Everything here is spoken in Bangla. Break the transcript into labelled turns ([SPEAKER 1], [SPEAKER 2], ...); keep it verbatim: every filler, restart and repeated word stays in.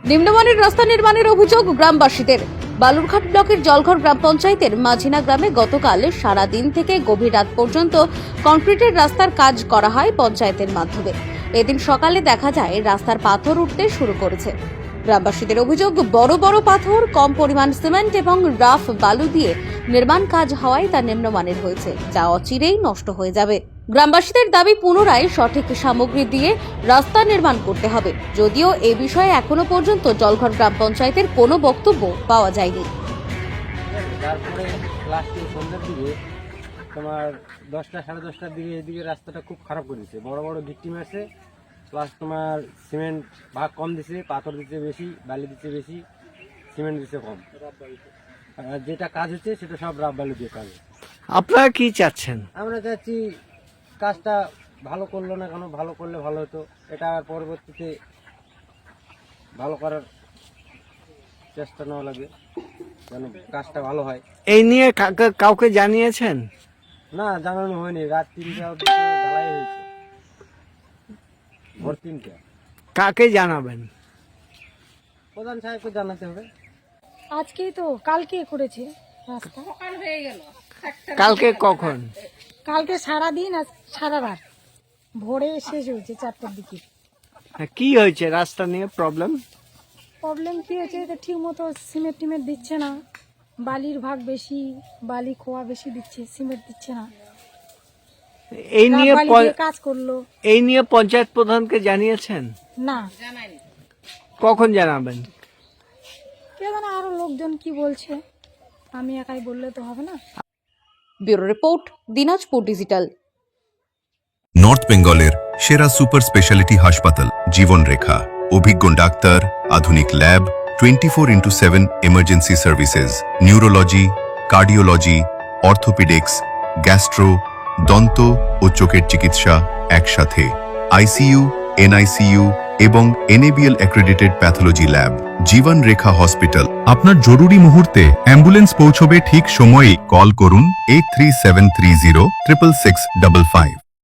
[SPEAKER 1] নিম্নমানের রাস্তা নির্মাণের অভিযোগ গ্রামবাসীদের। বালুরঘাট ব্লকের জলঘর গ্রাম পঞ্চায়েতের মাঝিনা গ্রামে গতকাল সারা দিন থেকে গভীর রাত পর্যন্ত কংক্রিটের রাস্তার কাজ করা হয় পঞ্চায়েতের মাধ্যমে। এদিন সকালে দেখা যায় রাস্তার পাথর উঠতে শুরু করেছে। গ্রামবাসীদের অভিযোগ, বড় বড় পাথর, কম পরিমাণ সিমেন্ট এবং রাফ বালু দিয়ে নির্মাণ কাজ হওয়ায় তা নিম্নমানের হয়েছে, যা অচিরেই নষ্ট হয়ে যাবে। গ্রামবাসীদের দাবি, পুনরায় সঠিক সামগ্রী দিয়ে রাস্তা নির্মাণ করতে হবে। যদিও এ বিষয়ে এখনো পর্যন্ত জলঘর গ্রাম পঞ্চায়েতের কোনো বক্তব্য পাওয়া যায়নি।
[SPEAKER 2] তারপরে লাস্টে সন্ধ্যার দিকে তোমার দশটা সাড়ে দশটার দিকে এদিকে রাস্তাটা খুব খারাপ করে দিচ্ছে। বড় বড় গিট্টি মারছে, প্লাস তোমার সিমেন্ট ভাগ কম দিচ্ছে, পাথর দিচ্ছে বেশি, বালি দিচ্ছে বেশি, সিমেন্ট দিচ্ছে কম। আর যেটা কাজ হচ্ছে সেটা সব রাব বালু দিয়ে কাজ।
[SPEAKER 3] আপনারা কি চাচ্ছেন?
[SPEAKER 2] আমরা চাচ্ছি কাজটা ভালো করলো না কেন, ভালো করলে ভালো হতো। এটা আর পরবর্তীতে ভালো করার চেষ্টা নেওয়া লাগে যেন কাজটা ভালো হয়।
[SPEAKER 3] এই নিয়ে কাকে- কাউকে জানিয়েছেন?
[SPEAKER 2] না, জানানো হয়নি। রাত তিনটা অবধি তো ঢালাই হয়েছে, ভোর তিনটা।
[SPEAKER 3] কাকে জানাবেন?
[SPEAKER 2] প্রধান সাহেবকে জানাতে হবে।
[SPEAKER 4] আজকেই তো, কালকে করেছে রাস্তা।
[SPEAKER 3] কালকে কখন?
[SPEAKER 4] কালকে সারা দিন আর সারা রাত, ভোরে শেষ হয়েছে চারটার দিকে।
[SPEAKER 3] হ্যাঁ, কি হয়েছে রাস্তা নিয়ে প্রবলেম?
[SPEAKER 4] প্রবলেম কি হয়েছে, এটা ঠিক মতো সিমেন্ট টিমেন্ট দিচ্ছে না, বালির ভাগ বেশি, বালি খোয়া বেশি দিচ্ছে, সিমেন্ট দিচ্ছে না।
[SPEAKER 3] এই নিয়ে
[SPEAKER 4] বালি
[SPEAKER 3] প-
[SPEAKER 4] দিয়ে কাজ করলো
[SPEAKER 3] এই নিয়ে পঞ্চায়েত প্রধানকে জানিয়েছেন?
[SPEAKER 4] না।
[SPEAKER 3] কখন জানাবেন?
[SPEAKER 4] কে জানে আরো লোকজন কি বলছে, আমি একাই বললে তো হবে না।
[SPEAKER 1] Bureau report, Dinajpur digital.
[SPEAKER 5] North বেঙ্গলের সেরা সুপার স্পেশালিটি হাসপাতাল জীবনরেখা, অভিজ্ঞ ডাক্তার, আধুনিক lab, twenty four into seven emergency services, neurology, cardiology, orthopaedics, gastro, দন্ত ও চোখের চিকিৎসা একসাথে, আইসিইউ, এনআইসিইউ এবং NABL accredited pathology lab. Jiban Rekha hospital. আপনার জরুরি মুহূর্তে অ্যাম্বুলেন্স পৌঁছবে ঠিক সময়েই। কল করুন eight three seven three zero triple six double five.